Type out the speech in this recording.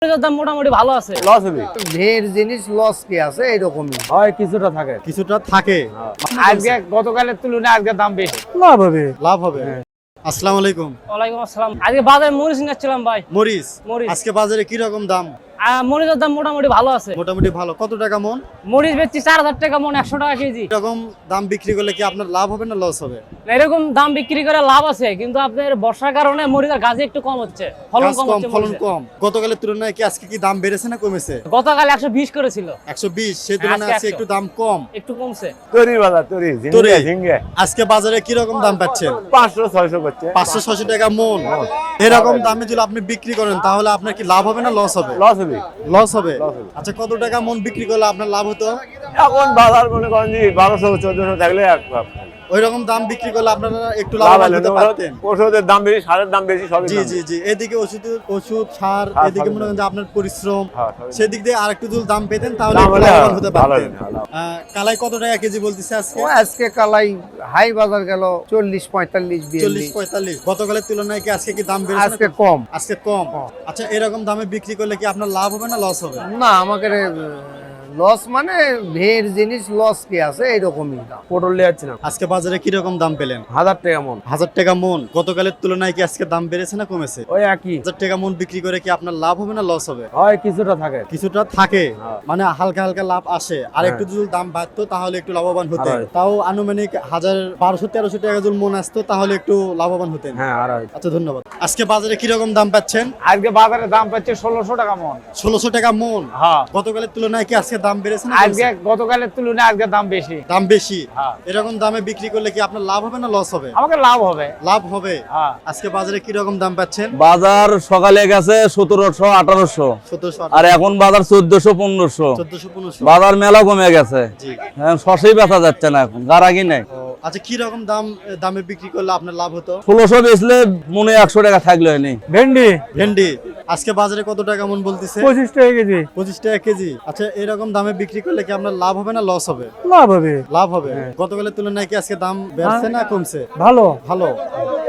দাম মোটামুটি ভালো আছে। লস হবে ঢের জিনিস লস কি আছে এইরকমই হয়, কিছুটা থাকে আজকে গতকালের তুলনায় আজকে দাম বেশি। লাভ হবে। আসসালামু আলাইকুম। ওয়ালাইকুম আসসালাম। আজকে বাজারে মরিচ নিচ্ছিলাম ভাই। মরিচ মরিচ আজকে বাজারে কি রকম দাম? মরিচের দাম মোটামুটি ভালো আছে। মোটামুটি ভালো। কত টাকা মন? মরিচ বেচছি 4000 টাকা মন, 100 টাকা কেজি। এরকম দাম বিক্রি করলে কি আপনার লাভ হবে না লস হবে? এরকম দাম বিক্রি করে লাভ আছে, কিন্তু আপনার বর্ষার কারণে মরিচের গাছে একটু কম হচ্ছে, ফলন গাছ কম কম, হচ্ছে। ফলন মরিচের। কম। গতকালের তুলনায় কি আজকে কি দাম বেড়েছে না কমেছে? গতকাল 120 করেছিল, 120, সেই তুলনায় আজকে আজকে 100 একটু দাম কম। একটু কমছে। তরি বাজার, তরি তরি। ঝিঙ্গে আজকে বাজারে কি রকম দাম পাচ্ছেন? 500-600 করছে। 500-600 টাকা মন। এরকম দামে যদি আপনি বিক্রি করেন তাহলে আপনার কি লাভ হবে না লস হবে? লস হবে। লস হবে। আচ্ছা, কত টাকা মন বিক্রি করলে আপনার লাভ হতো? এখন বাজার মনে করেন যে 1200-1400 থাকলে ওই রকম দাম বিক্রি করলে আপনারা একটু লাভ লাভবান হলে হতে পারতেন। ওষুধের দাম বেশি, সারের দাম বেশি, সবই জি দাম জি জি, এদিকে ওষুধ সার, হ্যাঁ, এদিকে সবই মনে করেন যে আপনার পরিশ্রম, হ্যাঁ, সবই সেদিক দিয়ে আরেকটু যদি দাম পেতেন তাহলে দাম একটু হলে লাভবান হতে ভালো পারতেন। হতো, ভালো। কালাই কত টাকা কেজি বলতেছে আজকে? ও আজকে কালাই হাই বাজার গেল 40-45 40-45। গতকালের তুলনায় কি আজকে কি দাম বেড়েছে? আজকে না? কম। আজকে কম। আচ্ছা, এরকম দামে বিক্রি করলে কি আপনার লাভ হবে না লস হবে? না আমাকে লস মানে ঢের জিনিস লস কি আছে এইরকমই দাম। পটল নিয়ে যাচ্ছিলাম আজকে বাজারে কি রকম দাম পেলেন? 1000 টাকা মন। 1000 টাকা মন। গতকালের তুলনায় কি আজকে দাম বেড়েছে না কমেছে? ওই একই 1000 টাকা মন বিক্রি করে কি আপনার লাভ হবে না লস হবে? হয়, কিছুটা থাকে। কিছুটা থাকে, হ্যাঁ। মানে হালকা হালকা লাভ আসে। আর একটু যদি দাম বাড়তো তাহলে একটু লাভবান হতেন। আর হয়। তাও আনুমানিক 1200-1300 টাকা যদি মন আসতো তাহলে একটু লাভবান হতেন। হ্যাঁ, আর হয়। আচ্ছা, ধন্যবাদ। আজকে বাজারে কি রকম দাম পাচ্ছেন? আজকে বাজারে দাম পাচ্ছে 1600 টাকা মন। 1600 টাকা মন। হ্যাঁ, গতকালের তুলনায় কি আজকে দাম বেড়েছে না আজকে কমছে? গতকালের তুলনায় আজকে দাম বেশি। দাম বেশি। হ্যাঁ। এরকম দামে বিক্রি করলে কি আপনার লাভ হবে না লস হবে? আমাকে লাভ হবে। লাভ হবে। হ্যাঁ। আজকে বাজারে কি রকম দাম পাচ্ছেন? বাজার সকালে গেছে 1700-1800, 1700, আর এখন বাজার 1400-1500। 1400-1500। বাজার মেলা কমে গেছে, জি। এখন শসেই বেচা যাচ্ছে না, এখন গারাগি নেই। ও, আচ্ছা, কি রকম দামে বিক্রি করলে আপনার লাভ হতো? 1600 বেচলে মনে 100 টাকা থাকলো নেই। ভেন্ডি আজকে বাজারে কত টাকা মন বলতেছে? 25 টাকা কেজি। 25 টাকা কেজি। আচ্ছা, এরকম দামে বিক্রি করলে কি আপনার লাভ হবে না লস হবে? লাভ হবে। লাভ হবে। গতকালের তুলনায় কি আজকে দাম বেড়েছে না কমছে? ভালো। ভালো।